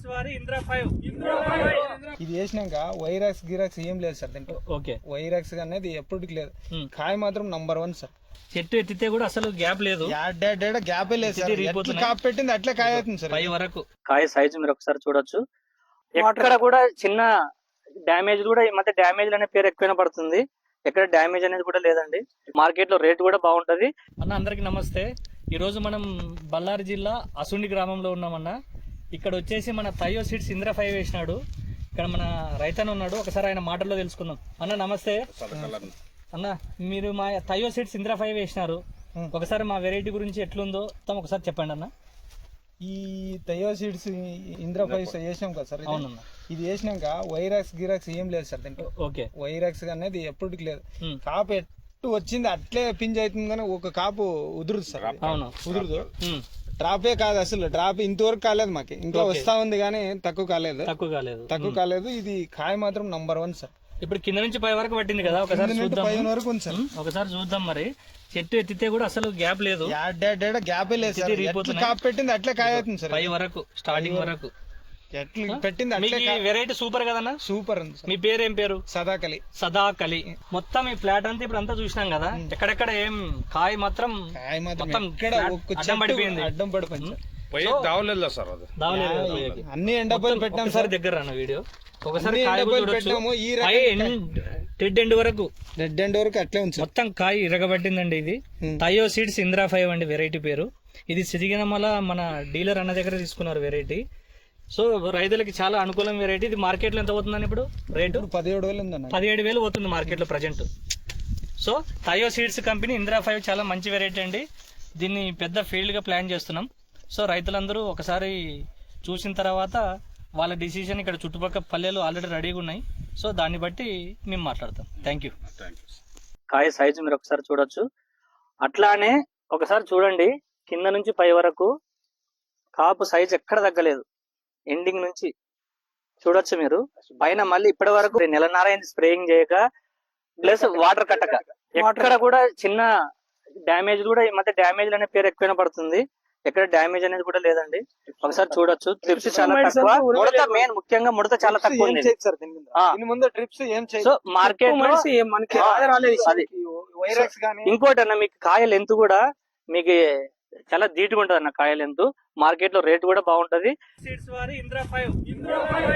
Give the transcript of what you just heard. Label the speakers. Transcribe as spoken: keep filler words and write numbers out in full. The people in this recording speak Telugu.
Speaker 1: సీడ్స్ వారి ఇంద్రా ఫైవ్
Speaker 2: ఇది వేసినాక వైరాక్స్ గిరాక్స్ ఏం లేదు సార్ దీంట్లో.
Speaker 1: ఓకే,
Speaker 2: వైరాక్స్ అనేది ఎప్పటికి లేదు. కాయ మాత్రం నంబర్ వన్ సార్.
Speaker 1: చెట్టు ఎత్తితే కూడా అసలు గ్యాప్ లేదు,
Speaker 2: గ్యాప్ లేదు సార్. ఎట్లా కాపు పెట్టింది అట్లే కాయ అవుతుంది సార్.
Speaker 1: పై వరకు కాయ సైజు మీరు ఒకసారి చూడొచ్చు. ఎక్కడ కూడా చిన్న డ్యామేజ్ కూడా ఈ మధ్య డ్యామేజ్ అనే పేరు ఎక్కువైనా పడుతుంది. ఎక్కడ డ్యామేజ్ అనేది కూడా లేదండి. మార్కెట్ లో రేట్ కూడా బాగుంటది. అన్న అందరికి నమస్తే. ఈ రోజు మనం బళ్ళారి జిల్లా అసుండి గ్రామంలో ఉన్నామన్న. ఇక్కడ వచ్చేసి మన థయో సీడ్స్ ఇంద్రా ఫైవ్ వేసినాడు. ఇక్కడ మన రైతన్న ఉన్నాడు, ఒకసారి ఆయన మాటల్లో తెలుసుకుందాం. అన్న నమస్తే. అన్న మీరు మా థయో సీడ్స్ ఇంద్రా ఫైవ్ వేసినారు, ఒకసారి మా వెరైటీ గురించి ఎట్లుందో మొత్తం ఒకసారి చెప్పండి అన్న.
Speaker 2: ఈ థయో సీడ్స్ ఇంద్రా ఫైవ్ వేసినాం కదా సార్.
Speaker 1: అవునన్న,
Speaker 2: ఇది వేసినాక వైరాక్స్ గిరాక్స్ ఏం లేదు సార్ దీంట్లో.
Speaker 1: ఓకే,
Speaker 2: వైరాక్స్ అనేది ఎప్పటికి లేదు. కాపు ఎట్టు వచ్చింది అట్లే పింజ్ అవుతుంది, కానీ ఒక కాపు ఉదురుదు సార్.
Speaker 1: అవును,
Speaker 2: ఉదురుదు. డ్రాపే కాదు అసలు. డ్రాప్ ఇంతవరకు కాలేదు మాకు, ఇంకా వస్తా ఉంది కానీ తక్కువ కాలేదు.
Speaker 1: తక్కువ కాలేదు
Speaker 2: తక్కువ కాలేదు. ఇది కాయ మాత్రం నంబర్ వన్ సార్.
Speaker 1: ఇప్పుడు కింద నుంచి పై వరకు పట్టింది కదా, ఒకసారి చూద్దాం.
Speaker 2: పై వరకు ఉంది సార్.
Speaker 1: ఒకసారి చూద్దాం. మరి చెట్టు ఎత్తితే కూడా అసలు గ్యాప్ లేదు,
Speaker 2: గ్యాపే లేదు సార్. కాపు పెట్టింది అట్లే కాయ అవుతుంది సార్.
Speaker 1: పై వరకు స్టార్టింగ్ వరకు
Speaker 2: ఎట్లా పెట్టింది అట్లే.
Speaker 1: వెరైటీ సూపర్ కదన్నా.
Speaker 2: సూపర్ ఉంది.
Speaker 1: మీ పేరు ఏం పేరు?
Speaker 2: సదాకలి.
Speaker 1: సదాకలి. మొత్తం ఈ ఫ్లాట్ అంతా ఇప్పుడు అంతా చూసినాం కదా, ఎక్కడెక్కడ ఏం కాయ మాత్రం
Speaker 2: కాయ మాత్రం
Speaker 1: అడ్డం పడిపోయింది.
Speaker 2: అడ్డం పడిపోయింది
Speaker 1: అన్ని ఎండపోయి పెట్టాం సార్. దగ్గర అన్న వీడియో ఒకసారి రెడ్ ఎండ్ వరకు
Speaker 2: రెడ్ ఎండ్ వరకు అట్లే ఉంది.
Speaker 1: మొత్తం కాయ ఇరగబట్టిందండి. ఇది థయో సీడ్స్ ఇంద్రా ఫైవ్ అండి వెరైటీ పేరు. ఇది సిరిగినమల మన డీలర్ అన్న దగ్గర తీసుకున్నారు వెరైటీ. సో రైతులకి చాలా అనుకూలం వెరైటీ. ఇది మార్కెట్ లో ఎంత పోతుందని ఇప్పుడు రేటు?
Speaker 2: పదిహేడు వేలు ఉందన్న.
Speaker 1: పదిహేడు వేలు పోతుంది మార్కెట్ లో present. So Thayo seeds company Indra five చాలా మంచి వెరైటీ అండి. దీన్ని పెద్ద ఫీల్డ్ గా ప్లాన్ చేస్తున్నాం. సో రైతులందరూ ఒకసారి చూసిన తర్వాత వాళ్ళ డిసిషన్ ఇక్కడ చుట్టుపక్కల పల్లెలు ఆల్రెడీ రెడీగా ఉన్నాయి. సో దాన్ని బట్టి మేము మాట్లాడతాం. Thank you. కాయ సైజు మీరు ఒకసారి చూడొచ్చు. అట్లానే ఒకసారి చూడండి, కింద నుంచి పై వరకు కాపు సైజ్ ఎక్కడ తగ్గలేదు. ఎండింగ్ నుంచి చూడొచ్చు మీరు. పైన మళ్ళీ ఇప్పటి వరకు నెలన్నర స్ప్రేయింగ్ చేయక ప్లస్ వాటర్ కట్టక ఎక్కడ కూడా చిన్న డ్యామేజ్ కూడా ఈ మధ్య డ్యామేజ్ అనే పేరు ఎక్కువైనా పడుతుంది. ఎక్కడ డ్యామేజ్ అనేది కూడా లేదండి. ఒకసారి చూడొచ్చు. ట్రిప్స్ చాలా తక్కువ. ముడత మెయిన్ ముఖ్యంగా ముడత చాలా తక్కువ ఉంది. సో మార్కెట్ ఇంకోటి అన్న, మీకు కాయ లెంత్ కూడా మీకు చాలా ధీటుగా ఉంటది అన్న. కాయ లెంత్ మార్కెట్ లో రేట్ కూడా బాగుంటది.